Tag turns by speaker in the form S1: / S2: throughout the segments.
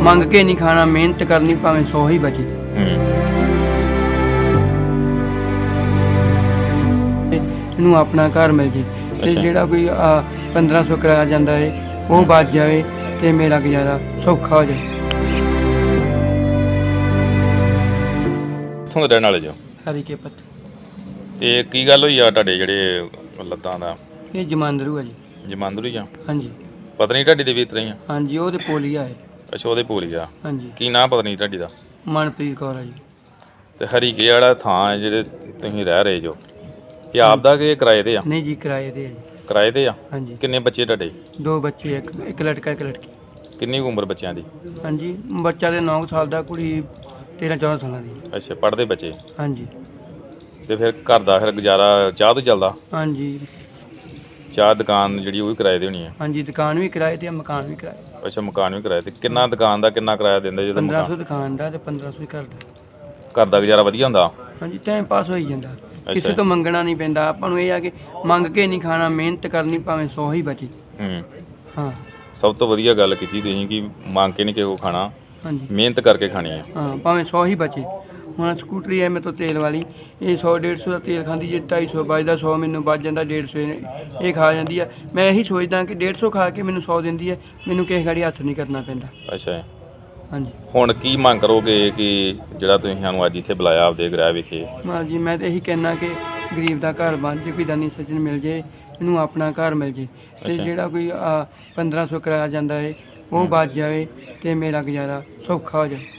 S1: ਮੰਗ ਕੇ ਨਹੀਂ ਖਾਣਾ, ਮਿਹਨਤ ਕਰਨੀ ਭਾਵੇਂ 100 ਹੀ ਬਚੇ। ਇਹਨੂੰ ਆਪਣਾ ਘਰ ਮਿਲ ਜੇ ਤੇ ਜਿਹੜਾ ਕੋਈ 1500 ਕਿਰਾਇਆ ਜਾਂਦਾ ਹੈ ਉਹ ਬਚ ਜਾਵੇ ਤੇ ਮੇਰਾ ਗੁਜ਼ਾਰਾ ਸੌਖਾ ਹੋ ਜਾਵੇ।
S2: ਕਿੱਥੋਂ ਦੇ ਰਹਿਣ ਵਾਲੇ ਜੋ?
S1: ਹਰੀਕੇ ਪੱਤ।
S2: ਤੇ ਕੀ ਗੱਲ ਹੋਈ ਆ ਤੁਹਾਡੇ ਜਿਹੜੇ ਲੱਤਾਂ ਦਾ?
S1: ਇਹ ਜਮਾਂਦਰੂ ਆ ਜੀ।
S2: ਜਮਾਂਦਰੂ ਹੀ ਆ?
S1: ਹਾਂਜੀ
S2: ਪਤਨੀ ਢਾਡੀ ਦੇ ਵੀ ਇਸ ਤਰ੍ਹਾਂ ਹੀ ਆ?
S1: ਹਾਂਜੀ, ਉਹ ਤੇ ਪੋਲੀਆ ਹੈ।
S2: ਅੱਛਾ, ਉਹਦੇ ਭੂਲ ਗਿਆ।
S1: ਹਾਂਜੀ,
S2: ਕੀ ਨਾਂ ਪਤਨੀ ਢਾਡੀ ਦਾ?
S1: ਮਨਪ੍ਰੀਤ ਕੌਰ ਆ ਜੀ।
S2: ਤੇ ਹਰੀਕੇ ਵਾਲਾ ਥਾਂ ਹੈ ਜਿਹੜੇ ਤੁਸੀਂ ਰਹਿ ਰਹੇ ਜੋ, ਇਹ ਆਪ ਦਾ ਕਿ ਕਿਰਾਏ ਤੇ ਆ?
S1: ਨਹੀਂ ਜੀ, ਕਿਰਾਏ ਤੇ ਆ ਜੀ।
S2: ਕਿਰਾਏ ਤੇ ਆ?
S1: ਹਾਂਜੀ।
S2: ਕਿੰਨੇ ਬੱਚੇ ਤੁਹਾਡੇ?
S1: 2 ਬੱਚੇ, ਇੱਕ ਲੜਕਾ ਇੱਕ ਲੜਕੀ।
S2: ਕਿੰਨੀ ਕੁ ਉਮਰ ਬੱਚਿਆਂ ਦੀ?
S1: ਹਾਂਜੀ, ਬੱਚਾ ਦੇ 9 ਸਾਲ ਦਾ, ਕੁੜੀ 13-14 ਸਾਲਾਂ ਦੀ।
S2: ਅੱਛਾ, ਪੜ੍ਹਦੇ ਬੱਚੇ?
S1: ਹਾਂਜੀ।
S2: ਤੇ ਫਿਰ ਘਰ ਦਾ ਫਿਰ ਗੁਜ਼ਾਰਾ ਚਾਹ ਤੋਂ ਚੱਲਦਾ?
S1: ਹਾਂਜੀ
S2: ਚਾਹ ਦੁਕਾਨ ਜਿਹੜੀ ਉਹ ਵੀ ਕਿਰਾਏ ਤੇ ਹੋਣੀ ਹੈ?
S1: ਹਾਂਜੀ, ਦੁਕਾਨ ਵੀ ਕਿਰਾਏ ਤੇ ਆ, ਮਕਾਨ ਵੀ ਕਿਰਾਏ ਤੇ।
S2: ਅੱਛਾ, ਮਕਾਨ ਵੀ ਕਿਰਾਏ ਤੇ। ਕਿੰਨਾ ਦੁਕਾਨ ਦਾ ਕਿੰਨਾ ਕਿਰਾਇਆ ਦਿੰਦੇ ਜਦੋਂ?
S1: 1500 ਦੁਕਾਨ ਦਾ ਤੇ 1500 ਹੀ ਘਰ ਦਾ।
S2: ਘਰ ਦਾ ਗੁਜ਼ਾਰਾ ਵਧੀਆ ਹੁੰਦਾ?
S1: ਹਾਂਜੀ, ਟਾਈਮ ਪਾਸ ਹੋਈ ਜਾਂਦਾ, ਕਿਸੇ ਤੋਂ ਮੰਗਣਾ ਨਹੀਂ ਪੈਂਦਾ ਆਪਾਂ ਨੂੰ। ਇਹ ਆ ਕਿ ਮੰਗ ਕੇ ਨਹੀਂ ਖਾਣਾ, ਮਿਹਨਤ ਕਰਨੀ ਭਾਵੇਂ 100 ਹੀ ਬਚੇ। ਹਾਂ,
S2: ਸਭ ਤੋਂ ਵਧੀਆ ਗੱਲ ਕੀਤੀ ਤੁਸੀਂ ਕਿ ਮੰਗ ਕੇ ਨਹੀਂ ਕਿਸੇ ਕੋ ਖਾਣਾ,
S1: ਹਾਂਜੀ,
S2: ਮਿਹਨਤ ਕਰਕੇ ਖਾਣੀ ਹੈ।
S1: ਹਾਂ, ਭਾਵੇਂ 100 ਹੀ ਬਚੇ। ਹੁਣ ਸਕੂਟਰੀ ਹੈ ਮੇਰੇ ਤੋਂ ਤੇਲ ਵਾਲੀ, ਇਹ 100-150 ਦਾ ਤੇਲ ਖਾਂਦੀ, ਜੇ 250 ਬਚਦਾ 100 ਮੈਨੂੰ ਬਚ ਜਾਂਦਾ, 150 ਇਹ ਖਾ ਜਾਂਦੀ ਆ। ਮੈਂ ਇਹੀ ਸੋਚਦਾ ਕਿ 150 ਖਾ ਕੇ ਮੈਨੂੰ 100 ਦਿੰਦੀ ਹੈ, ਮੈਨੂੰ ਕਿਸੇ ਗਾੜੀ ਹੱਥ ਨਹੀਂ ਕਰਨਾ ਪੈਂਦਾ।
S2: ਅੱਛਾ,
S1: ਹਾਂਜੀ।
S2: ਹੁਣ ਕੀ ਮੰਗ ਕਰੋਗੇ ਕਿ ਜਿਹੜਾ ਤੁਸੀਂ ਸਾਨੂੰ ਅੱਜ ਇੱਥੇ ਬੁਲਾਇਆ ਆਪਦੇ ਗ੍ਰਹਿ ਵਿਖੇ?
S1: ਹਾਂਜੀ, ਮੈਂ ਤਾਂ ਇਹੀ ਕਹਿਣਾ ਕਿ ਗਰੀਬ ਦਾ ਘਰ ਬਣ ਜੇ, ਕੋਈ ਦਾਨੀ ਸੱਜਣ ਮਿਲ ਜੇ, ਇਹਨੂੰ ਆਪਣਾ ਘਰ ਮਿਲ ਜੇ ਤੇ ਜਿਹੜਾ ਕੋਈ 1500 ਕਿਰਾਇਆ ਜਾਂਦਾ ਹੈ ਉਹ ਬਚ ਜਾਵੇ ਤੇ ਮੇਰਾ ਗੁਜ਼ਾਰਾ ਸੌਖਾ ਹੋ ਜਾਵੇ।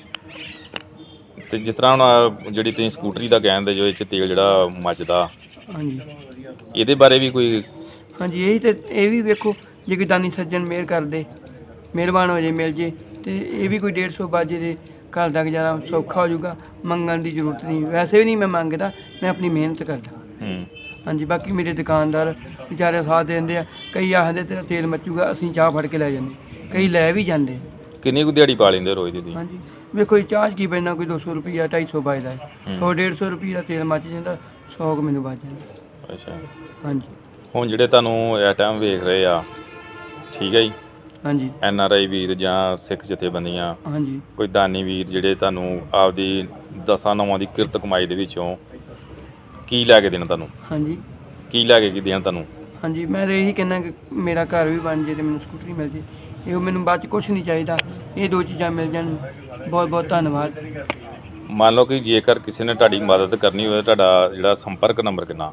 S2: ਤੇ ਜਿਸ ਤਰ੍ਹਾਂ ਹੁਣ ਜਿਹੜੀ ਤੁਸੀਂ ਸਕੂਟਰੀ ਦਾ ਕਹਿੰਦੇ ਜੋ ਇਹ 'ਚ ਤੇਲ ਜਿਹੜਾ ਮੱਚਦਾ,
S1: ਹਾਂਜੀ,
S2: ਇਹਦੇ ਬਾਰੇ ਵੀ ਕੋਈ?
S1: ਹਾਂਜੀ, ਇਹੀ ਤੇ ਇਹ ਵੀ ਵੇਖੋ, ਜੇ ਕੋਈ ਦਾਨੀ ਸੱਜਣ ਮਿਹਰ ਕਰਦੇ, ਮਿਹਰਬਾਨ ਹੋ ਜੇ, ਮਿਲ ਜੇ ਤੇ ਇਹ ਵੀ ਕੋਈ 150 ਬਚ ਜੇ ਤੇ ਘਰ ਦਾ ਗੁਜ਼ਾਰਾ ਸੌਖਾ ਹੋ ਜਾਊਗਾ। ਮੰਗਣ ਦੀ ਜ਼ਰੂਰਤ ਨਹੀਂ, ਵੈਸੇ ਵੀ ਨਹੀਂ ਮੈਂ ਮੰਗਦਾ, ਮੈਂ ਆਪਣੀ ਮਿਹਨਤ ਕਰਦਾ। ਹਾਂਜੀ, ਬਾਕੀ ਮੇਰੇ ਦੁਕਾਨਦਾਰ ਵਿਚਾਰੇ ਸਾਥ ਦਿੰਦੇ ਆ। ਕਈ ਆਖਦੇ ਤੇਰਾ ਤੇਲ ਮੱਚੂਗਾ, ਅਸੀਂ ਚਾਹ ਫੜ ਕੇ ਲੈ ਜਾਂਦੇ, ਕਈ ਲੈ ਵੀ ਜਾਂਦੇ।
S2: ਕਿੰਨੀ ਕੁ ਦਿਹਾੜੀ ਪਾ ਲੈਂਦੇ ਰੋਜ਼ ਦੀ?
S1: ਹਾਂਜੀ, ਵੇਖੋ ਚਾਹ 'ਚ ਕੀ ਪੈਣਾ, ਕੋਈ 200 ਰੁਪਈਆ 250 ਬਚਦਾ ਹੈ, 100-150 ਰੁਪਈਆ ਤੇਲ ਮੱਚ ਜਾਂਦਾ, 100 ਕੁ ਮੈਨੂੰ ਬਚ ਜਾਂਦਾ।
S2: ਅੱਛਾ,
S1: ਹਾਂਜੀ।
S2: ਹੁਣ ਜਿਹੜੇ ਤੁਹਾਨੂੰ ਇਹ ਟਾਈਮ ਵੇਖ ਰਹੇ ਆ, ਠੀਕ ਹੈ ਜੀ,
S1: ਹਾਂਜੀ।
S2: NRI ਵੀਰ ਜਾਂ ਸਿੱਖ ਜਥੇਬੰਦੀਆਂ,
S1: ਹਾਂਜੀ।
S2: ਕੋਈ ਦਾਨੀ ਵੀਰ ਜਿਹੜੇ ਤੁਹਾਨੂੰ ਆਪਦੀ 10-9 ਦੀ ਕਿਰਤ ਕਮਾਈ ਦੇ ਵਿੱਚੋਂ ਕੀ ਲੈ ਕੇ ਦੇਣ ਤੁਹਾਨੂੰ?
S1: ਹਾਂਜੀ।
S2: ਕੀ ਲੈ ਕੇ ਕੀ ਦੇਣ ਤੁਹਾਨੂੰ?
S1: ਹਾਂਜੀ, ਮੈਂ ਤਾਂ ਇਹੀ ਕਹਿੰਦਾ ਕਿ ਮੇਰਾ ਘਰ ਵੀ ਬਣ ਜੇ ਤੇ ਮੈਨੂੰ ਸਕੂਟਰੀ ਮਿਲ ਜੇ, ਇਹ ਮੈਨੂੰ ਬਾਅਦ 'ਚ ਕੁਛ ਨਹੀਂ ਚਾਹੀਦਾ, ਇਹ 2 ਚੀਜ਼ਾਂ ਮਿਲ ਜਾਣ, ਬਹੁਤ ਬਹੁਤ ਧੰਨਵਾਦ।
S2: ਮੰਨ ਲਓ ਕਿ ਜੇਕਰ ਕਿਸੇ ਨੇ ਤੁਹਾਡੀ ਮਦਦ ਕਰਨੀ ਹੋਵੇ, ਤੁਹਾਡਾ ਜਿਹੜਾ ਸੰਪਰਕ ਨੰਬਰ ਕਿੰਨਾ?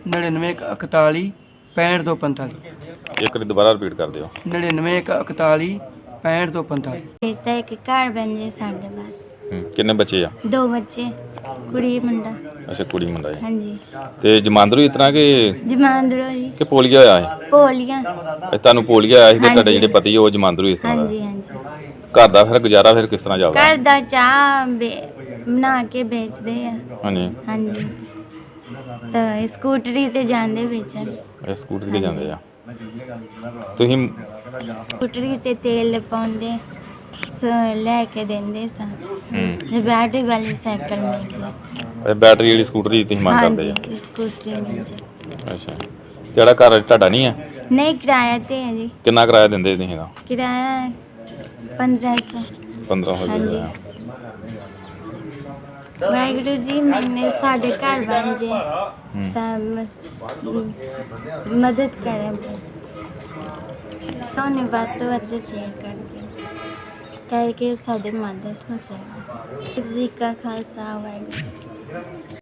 S1: 9941 6545।
S2: ਇੱਕ ਵਾਰੀ ਦੁਬਾਰਾ ਰਿਪੀਟ ਕਰ ਦਿਓ।
S1: 9941 6545।
S3: ਤਾਂ ਇੱਕ ਘਰ ਬਣ ਜੇ ਸਾਡੇ ਬਸ।
S2: ਕਿੰਨੇ ਬੱਚੇ ਆ?
S3: 2 ਬੱਚੇ, ਕੁੜੀ ਮੁੰਡਾ।
S2: ਅੱਛਾ, ਕੁੜੀ ਮੁੰਡਾ ਹੈ।
S3: ਹਾਂਜੀ।
S2: ਤੇ ਜਮਾਂਦਰੂ ਇਸ ਤਰ੍ਹਾਂ ਕਿ
S3: ਜਮਾਂਦਰੂ ਜੀ।
S2: ਕਿ ਪੋਲੀਆ ਹੋਇਆ ਹੈ?
S3: ਪੋਲੀਆਂ।
S2: ਤੁਹਾਨੂੰ ਪੋਲੀਆ ਆਇਆ ਸੀ ਤੇ ਤੁਹਾਡੇ ਜਿਹੜੇ ਪਤੀ ਉਹ ਜਮਾਂਦਰੂ ਇਸ ਤਰ੍ਹਾਂ ਦਾ?
S3: ਹਾਂਜੀ ਹਾਂਜੀ।
S2: ਘਰ ਦਾ ਫਿਰ ਗੁਜ਼ਾਰਾ ਫਿਰ ਕਿਸ ਤਰ੍ਹਾਂ ਚੱਲਦਾ?
S3: ਘਰ ਦਾ ਚਾਹ ਬਣਾ ਕੇ ਵੇਚਦੇ ਆ।
S2: ਹਾਂਜੀ
S3: ਹਾਂਜੀ। ਤਾਂ ਸਕੂਟਰੀ ਤੇ ਜਾਂਦੇ ਵੇਚਣ।
S2: ਇਹ ਸਕੂਟਰ ਤੇ ਜਾਂਦੇ ਆ ਤੁਸੀਂ?
S3: ਸਕੂਟਰੀ ਤੇ ਤੇਲ ਪਾਉਂਦੇ, ਲੈ ਕੇ ਦਿੰਦੇ ਸਾਂ। ਜੇ ਬੈਟਰੀ ਵਾਲੀ ਸਾਈਕਲ ਮਿਲ ਜੇ।
S2: ਇਹ ਬੈਟਰੀ ਵਾਲੀ ਸਕੂਟਰੀ ਤੁਸੀਂ ਮੰਗ ਕਰਦੇ ਆ?
S3: ਹਾਂਜੀ, ਸਕੂਟਰੀ ਮਿਲ ਜੇ।
S2: ਅੱਛਾ, ਜਿਹੜਾ ਘਰ ਤੁਹਾਡਾ ਨਹੀਂ ਹੈ?
S3: ਨਹੀਂ, ਕਿਰਾਇਆ ਤੇ ਹੈ ਜੀ।
S2: ਕਿੰਨਾ ਕਿਰਾਇਆ ਦਿੰਦੇ ਤੁਸੀਂ ਇਹਦਾ?
S3: ਕਿਰਾਇਆ 1500।
S2: 1500
S3: ਹਾਂਜੀ। ਵਾਹਿਗੁਰੂ ਜੀ, ਮੈਨੇ ਸਾਡੇ ਘਰ ਬਣ ਜੇ ਤਾਂ ਮਦਦ ਕਰੇ, ਤੁਹਾਨੂੰ ਵੱਧ ਤੋਂ ਵੱਧ ਸ਼ੇਅਰ ਕਰ ਦਿਓ ਕਿ ਸਾਡੀ ਮਦਦ ਹੋ ਸਕੇ। ਜੀ ਕਾ ਖਾਲਸਾ, ਵਾਹਿਗੁਰੂ ਜੀ।